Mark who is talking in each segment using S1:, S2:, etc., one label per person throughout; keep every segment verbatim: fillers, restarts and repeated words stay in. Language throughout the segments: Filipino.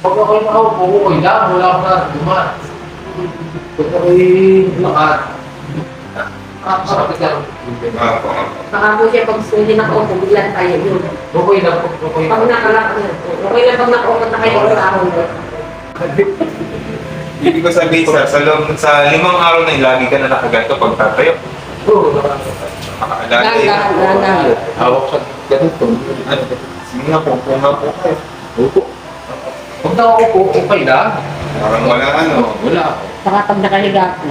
S1: Pag ako'y nakaupo, okay lang, wala akong nararamdaman. Pag ako'y lakad, nakakasakit lang.
S2: Ah, po, ah, po.
S3: Baka po siya pag hindi nakaupo, bigla tayo yun.
S1: Okay lang, okay
S3: Pag
S1: lang.
S3: nakalakad na, okay lang pag nakaupo na kayo sa ahon.
S2: Ibig ko sabihin, sir, sa, loob, sa limang araw na yun, lagi ka na nakaganto pag tatayo.
S1: Oo,
S2: Lagi.
S3: Dahan-dahan, dahan-dahan.
S1: hawak sa ganito.
S2: Ano? Sige nga po, po nga po kayo.
S1: Opo. Pag nakaupo, okay lang.
S2: Parang wala ano.
S1: Wala.
S3: Saka pag nakahiga po.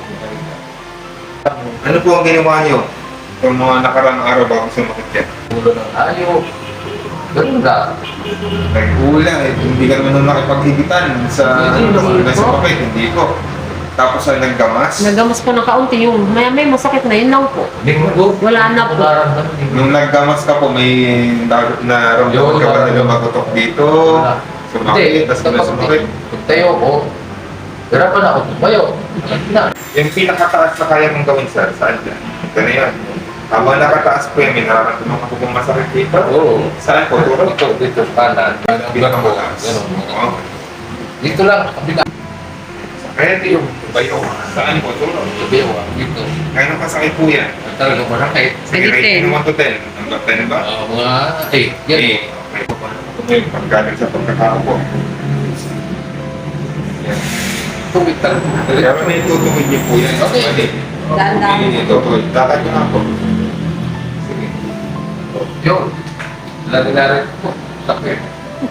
S2: Ano po ang ginawa niyo? Yung mga nakarang araw bago sumakit yan?
S1: Ulo ng ayaw. Ganun lang.
S2: Ay, ula, eh, hindi ka naman nung nakipaghigitan sa
S1: Hindi, hindi
S2: sa
S3: po.
S2: papel, hindi po. Tapos ang naggamas,
S3: Nagamas po ng kaunti yung maya may masakit na yun lang po.
S1: Linggo.
S3: Wala na po.
S1: Nararamdaman din.
S2: nung naggamas ka po, may na- naramdaman ka ba na lumatutok dito?
S1: Wala.
S2: Sumakit, tapos wala sumakit.
S1: Pag tayo ko, hirapan ako tumayo. Na.
S2: Yung pinakataas na kaya mong gawin, sir, saan dyan? Ito na yan. Habang nakataas po yan, may nararamdaman ka po kung masakit dito?
S1: Oo.
S2: Saan po? Turo?
S1: Ito, dito, kanan.
S2: Pinakamataas.
S1: Ganun.
S2: Oo.
S1: Dito lang, kabila.
S2: Kaya ito yung bayo. Saan po? Turo?
S1: Sabiwa, dito.
S2: Kaya nang kasakit po yan.
S1: Talagang masakit.
S2: Sige,
S3: Sige,
S2: rate
S3: ten.
S2: mo one to ten. Number ten ba?
S1: Ah, mga eight. Yan.
S2: Eh, may po ba? May paggaling sa pagkakaupo. Yan.
S1: Tubig talaga.
S2: Pero may tutuwid niyo po yan.
S1: Okay.
S2: Mali.
S3: Dahan-dahan.
S2: Hindi niyo tutuwid. Lakad nyo nga po. Sige.
S1: Yun. Lari-lari po. Sakit.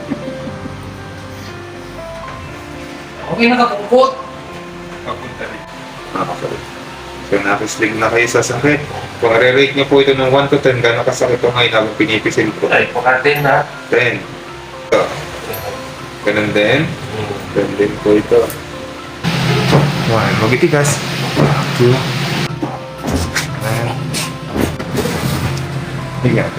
S1: Okay, nakakukot.
S2: Papunta rin. Nakakasakit. So, nakislig na kayo sa sakit. Kung re-rate niyo po ito ng one to ten, gano'ng kasakit ito ngayon habang pinipisil ko?
S1: Ay, pakatin na.
S2: ten. Ito. Ganun din. Ganun din po ito. One. Magitigas. Two. Nine. Higa.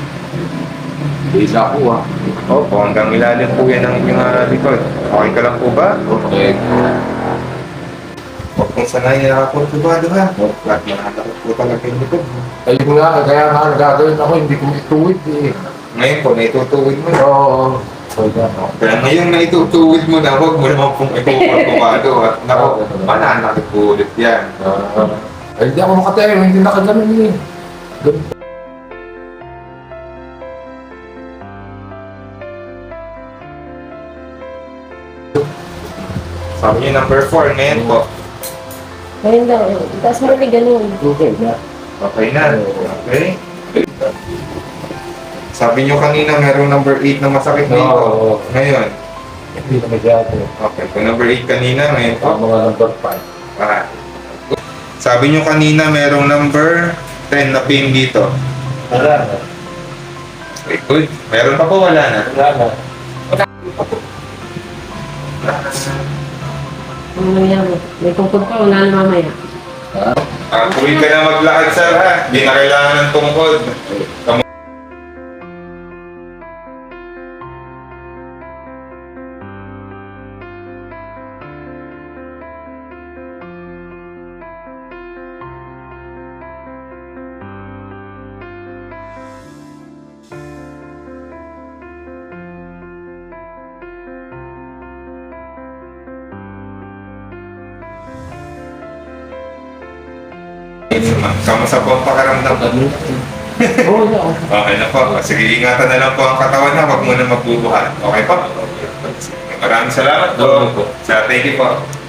S1: Isa ko ah.
S2: Opo, hanggang ilalim po yan ang inyong uh, likod. Okay ka lang po ba?
S1: Okay.
S2: Huwag kong sanay na nakakultubado ha. Lahat manatakot po talaga yung likod.
S1: Ayun nga, kaya nga nagagawin ako, hindi ko ituwid eh.
S2: Ngayon po, naitutuwid mo na.
S1: Oo. Pwede ako.
S2: Kaya ngayon naitutuwid mo na, huwag mo naman pong ikukultubado. At naku, mananakit po ulit yan.
S1: Ah, ay, hindi ako makatayo, hindi nakaganon eh. Ganun.
S2: Sabi niyo number four, ngayon po.
S3: Ngayon daw, tapos mo rin ganun.
S1: Okay na.
S2: Okay na. Okay. Sabi niyo kanina merong number eight na masakit dito.
S1: Oo.
S2: Ngayon.
S1: Hindi na masyado.
S2: Okay. Kung number eight kanina, ngayon po.
S1: Ang mga number five.
S2: Ah. Sabi niyo kanina merong number ten na pin dito.
S1: Wala na.
S2: Okay, good. Meron pa po, wala na.
S1: Wala na.
S3: Ano nangyari? May tungkod pa, wala na mamaya.
S2: Ah, tuwid ka na maglakad, sir, ha? Hindi na kailangan ng tungkod. Kamu- Kamusta po ang pakaramdam?
S1: Oo, wala ako.
S2: Okay na po. Sige, ingatan na lang po ang katawan na. Huwag mo na magbubuhat. Okay po? Maraming salamat po. Sa thank you po.